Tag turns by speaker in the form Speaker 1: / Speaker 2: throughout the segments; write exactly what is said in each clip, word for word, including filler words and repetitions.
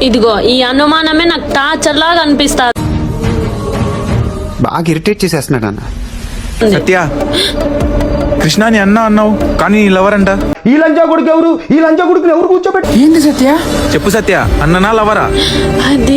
Speaker 1: ఇదిగో ఈ అనుమానమే నాకు టార్చర్ లాగా అనిపిస్తుంది.
Speaker 2: బాగా ఇరిటేట్ చేసేస్తున్నాడు అన్న.
Speaker 3: సత్య, కృష్ణాని అన్న అన్నావు కానీ నీ లవర్ అంట.
Speaker 4: ఈ లంచా కొడుకు ఎవరు? ఈ లంచా కొడుకుని ఎవరు కూర్చోబెట్టి?
Speaker 5: ఏంది సత్య?
Speaker 3: చెప్పు సత్య, అన్ననా లవరా?
Speaker 1: అది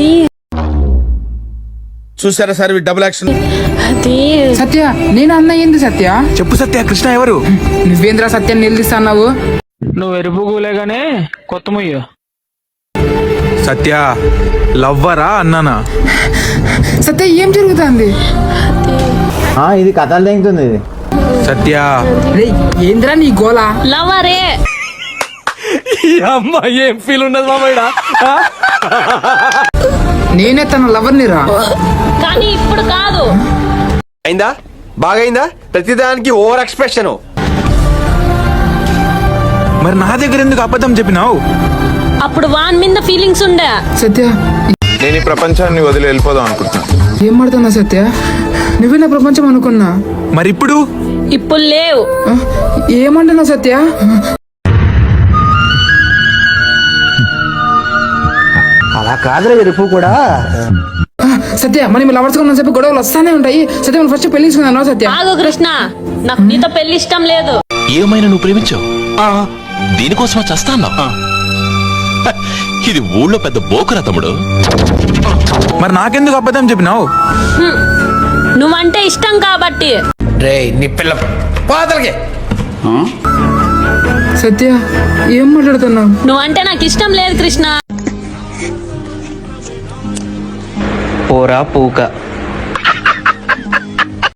Speaker 6: చూసారా సార్ డబుల్ యాక్షన్.
Speaker 1: అది
Speaker 5: సత్య నేను అన్న ఏంది సత్య?
Speaker 3: చెప్పు సత్య, కృష్ణ ఎవరు?
Speaker 5: నువ్వేంద్ర సత్యాన్ని నిలదీస్తున్నావు?
Speaker 7: నువ్వు ఎరుపు గూలేగానే కొత్త ముయ్యు.
Speaker 3: సత్య లవ్వరా అన్నానా?
Speaker 5: సత్య ఏం జరుగుతుంది?
Speaker 4: ఇది కథలు తెంగుతుంది ఇది.
Speaker 3: సత్య
Speaker 5: రేయ్ ఏంద్రా నీ గోలా?
Speaker 1: లవరే.
Speaker 7: అమ్మా ఏం ఫీల్ ఉన్నది మామయ్య.
Speaker 5: నేనే తన లవర్ని రా.
Speaker 1: కానీ ఇప్పుడు కాదు.
Speaker 4: అయిందా? బాగైందా? ప్రతిదానికి ఓవర్ ఎక్స్ప్రెషన్.
Speaker 3: మరి నా దగ్గర ఎందుకు అబద్ధం చెప్పినావు?
Speaker 1: అప్పుడు వాన్ మీద ఫీలింగ్స్ ఉండే.
Speaker 5: సత్య
Speaker 8: నేను ఈ ప్రపంచాన్ని వదిలి వెళ్ళిపోదాం అనుకుంటున్నా.
Speaker 5: ఏం మాడుతున్నా సత్య? నువ్వే నా ప్రపంచం అనుకున్నా.
Speaker 3: మరి ఇప్పుడు?
Speaker 1: ఇప్పుడు లేవు.
Speaker 5: ఆ, ఏమంటున్నావు సత్య?
Speaker 4: అలా కాదురా ఎరుపు కూడా.
Speaker 5: ఆ, సత్య మనం లవర్స్ ఉన్న చెప్పి గొడవలు వస్తానే ఉంటాయి. సత్య మనం ఫస్ట్ పెళ్లి చేసుకున్నాను. సత్య
Speaker 1: ఆగు కృష్ణ, నాకు నీతో పెళ్లి ఇష్టం లేదు.
Speaker 9: ఏమైనా నువ్వు ప్రేమించావు, దీనికోసమా చస్తాన్నా? ఇది ఊళ్ళో పెద్ద బోకురా తమ్ముడు.
Speaker 3: మరి నాకెందుకు అబద్ధం చెప్పినావు?
Speaker 1: హ్మ్. నువ్వంటే ఇష్టం కాబట్టి.
Speaker 6: రే నీ పిల్ల పాతలకి
Speaker 5: సత్య ఏం మాట్లాడుతున్నావు?
Speaker 1: నువ్వంటే నాకు ఇష్టం లేదు కృష్ణ.
Speaker 4: పోరా పూక.